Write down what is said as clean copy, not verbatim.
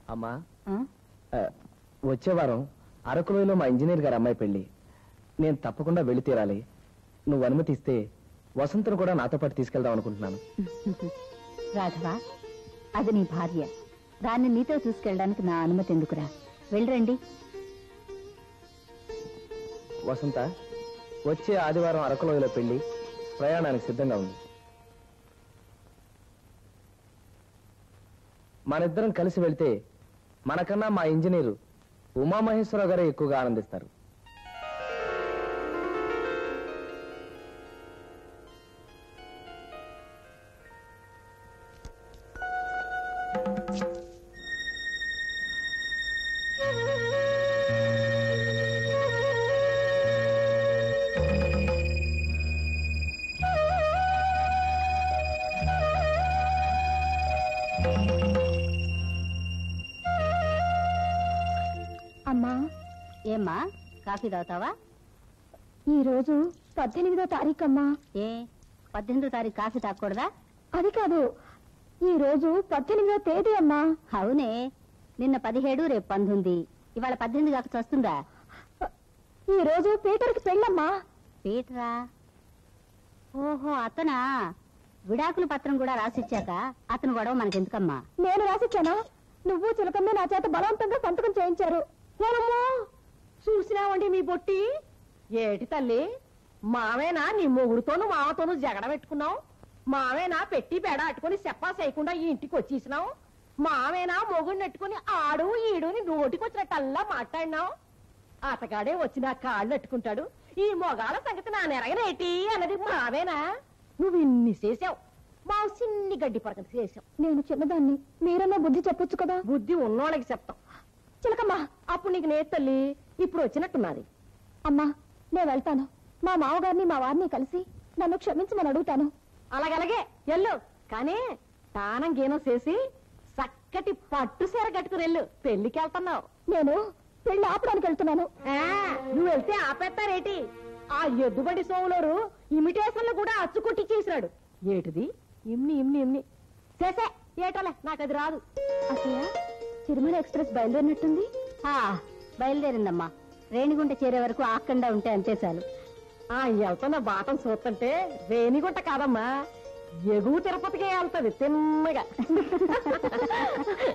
అమ్మా వచ్చే వారం అరకులోయలో మా ఇంజనీర్ గారి అమ్మాయి పెళ్లి. నేను తప్పకుండా వెళ్ళి తీరాలి. నువ్వు అనుమతిస్తే వసంతను కూడా నాతో పాటు తీసుకెళ్దాం అనుకుంటున్నాను. రాఘవ, అది నీ భార్య. దాన్ని నీతో తీసుకెళ్ళడానికి నా అనుమతి ఎందుకురా? వెళ్ళరండి. వసంత, వచ్చే ఆదివారం అరకులోయలో పెళ్లి. ప్రయాణానికి సిద్ధంగా ఉంది. మనిద్దరం కలిసి వెళ్తే మనకన్నా మా ఇంజనీరు ఉమామహేశ్వరరావు గారే ఎక్కువగా ఆనందిస్తారు. అమ్మా, ఏమ్మా కాఫీ తాగుతావా? ఈరోజు 18వ తారీఖు అమ్మా. ఏ 18వ తారీఖు కాఫీ తాగకూడదా? అది కాదు, ఈ రోజు 18వ తేదీ అమ్మా. అవునే, నిన్న 17, రేపు 19. ఇవాళ 18 కాక వస్తుందా? ఈ రోజు పీటర్కి పెళ్ళమ్మా. పీటరా? ఓహో, అతనా? విడాకుల పత్రం కూడా రాసిచ్చాక అతను గొడవ మనకెందుకమ్మా? నేను రాసిచ్చానా? నువ్వు చిలకమ్మ నా చేత బలవంతంగా సంతకం చేయించారు. చూసినావండి మీ బొట్టి. ఏటి తల్లి, మావేనా నీ మొగుడుతోను మావతోను జగడ పెట్టుకున్నావు? మావేనా పెట్టి బెడ అట్టుకుని చెప్పా చేయకుండా ఈ ఇంటికి వచ్చేసినావు? మావేనా మొగుడిని నెట్టుకుని ఆడు ఈడుని నోటికొచ్చినట్టల్లా మాట్లాడినావు? అతగాడే వచ్చి నా కాళ్ళు అట్టుకుంటాడు, ఈ మొగాల సంగతి నా నెరగనేటి అన్నది మావేనా? నువ్వు ఇన్ని చేసావు, మా సిన్ని గడ్డి పరకలు చేసావు. నేను చిన్నదాన్ని, మీరన్నా బుద్ధి చెప్పొచ్చు కదా. బుద్ధి ఉన్నోళ్ళకి చెప్తాం. చిలకమ్మా, అప్పుడు నీకు నే తల్లి ఇప్పుడు వచ్చినట్టున్నది. అమ్మా, నేను వెళ్తాను. మా మామగారిని మా వారిని కలిసి నన్ను క్షమించమని అడుగుతాను. అలాగలాగే ఎల్లు, కానీ తానం గీనం చేసి చక్కటి పట్టు సీర కట్టుకుని వెళ్ళు. పెళ్లికి వెళ్తున్నావు. నేను పెళ్లి ఆపడానికి వెళ్తున్నాను. నువ్వు వెళ్తే ఆపేస్తారేటి? ఆ ఎద్దుబండి సోములోరు ఇమిటేషన్లు కూడా అచ్చుకొట్టి చేసినాడు. ఏటిది? ఇమ్ని ఇమ్ని ఇమ్ని చేసే ఏటోలే, నాకు అది రాదు. అసలు తిరుమల ఎక్స్ప్రెస్ బయలుదేరినట్టుంది. బయలుదేరిందమ్మా. రేణిగుంట చేరే వరకు ఆకుండా ఉంటే అంతే చాలు. వెళ్తున్న బాటం చూస్తుంటే రేణిగుంట కాదమ్మా, ఎగువ తిరుపతికే వెళ్తుంది తిన్నగా.